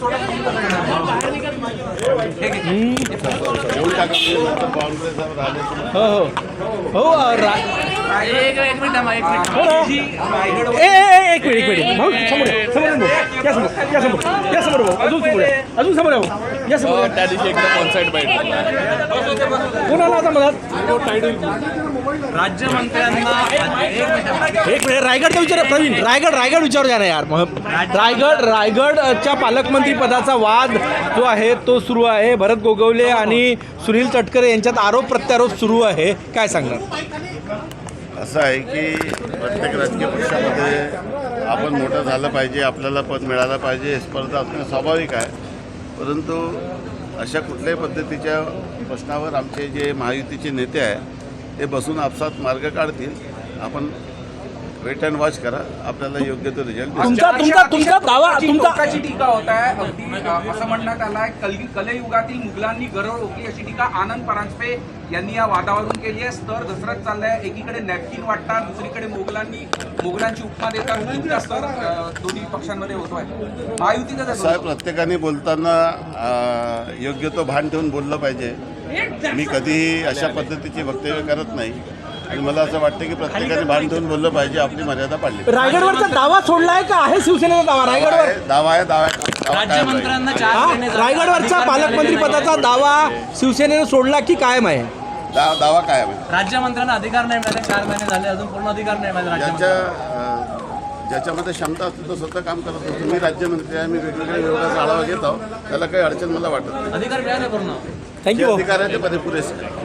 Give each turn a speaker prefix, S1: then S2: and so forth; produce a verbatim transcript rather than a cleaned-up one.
S1: हो हो हो रा
S2: एक एक मिनिट थांबा, एक मिनिट.
S1: हो ना.
S2: जी, रायगड-
S1: ए ए एक मिनिट एक मिनिट भाऊ समोर या, समोर या, भाऊ. या समोर या समोर या समोर भाऊ अजून समोर या. अजून समोर या भाऊ या समोर या.
S3: त्या दिवशी एकदम ऑन साईड बाईट
S1: कोणाला आता मधात
S2: राज्यमंत्र्यांना एक मिनिट
S1: एक मिनिट रायगडचा विचार प्रवीण रायगड रायगड विचारू द्या ना यार मग रायगड रायगडच्या पालकमंत्री पदाचा वाद जो आहे तो सुरू आहे. भरत गोगवले आणि सुनील तटकरे यांच्यात आरोप प्रत्यारोप सुरू आहे. काय सांगणार?
S4: असं आहे की प्रत्येक राजकीय पक्षामध्ये आपण मोठं झालं पाहिजे, आपल्याला पद मिळालं पाहिजे, स्पर्धा असणं स्वाभाविक आहे. परंतु अशा कुठल्याही पद्धतीच्या प्रश्नावर आमचे जे महायुतीचे नेते आहे ते बसून आपसात मार्ग काढतील. आपण वेट अँड वॉच करा, आपल्याला योग्य तो रिझल्ट दिसेल.
S1: तुमचा तुमचा तुमचा दावा तुमचा
S5: टोकाची टीका होत आहे. अगदी अ, असं म्हणण्यात आलं आहे कल कलयुगातील मुघलांनी गरळ ओकली अशी टीका आनंद परांजपे यांनी या वादावरून केली आहे. स्तर घसरत चाललाय. एकीकडे नॅपकिन वाटतात, दुसरीकडे मुघलांनी मुघलांची उपमा देतात. तुमचा स्तर अ, दोन्ही पक्षांमध्ये होतोय. महायुतीचा
S4: साहेब प्रत्येकाने बोलताना अ, योग्य तो भान ठेवून बोललं पाहिजे. मी कधीही अशा पद्धतीची वक्तव्य करत नाही आणि मला असं वाटतं की प्रत्येकाने भान ठेवून बोललं पाहिजे, आपली मर्यादा पाळली.
S1: रायगडवरचा दावा सोडलाय का आहे शिवसेनेचा दावा रायगडवर?
S4: दावा आहे दावा आहे दावा कायम राहील.
S2: राज्यमंत्र्यांना चार
S1: हा?
S2: महिने झाले.
S1: रायगडवरचा पालकमंत्री पदाचा दावा शिवसेनेने सोडला की कायम आहे?
S4: दा- दावा कायम आहे.
S2: राज्यमंत्र्यांना अधिकार नाही मिळाले. चार महिने झाले, अजून पूर्ण अधिकार नाही मिळाले
S4: ज्याच्या
S2: राज्यमंत्र्यांना.
S4: अ, ज्याच्यामध्ये क्षमता असते तो स्वतः काम करत असतो. मी राज्यमंत्री आहे, मी वेगवेगळ्या विभागाचा आढावा घेत आहोत, त्याला काही अडचण मला वाटत नाही.
S2: अधिकार मिळाले पूर्ण.
S1: थँक्यू
S4: अधिकाराचे पदे पुरेसे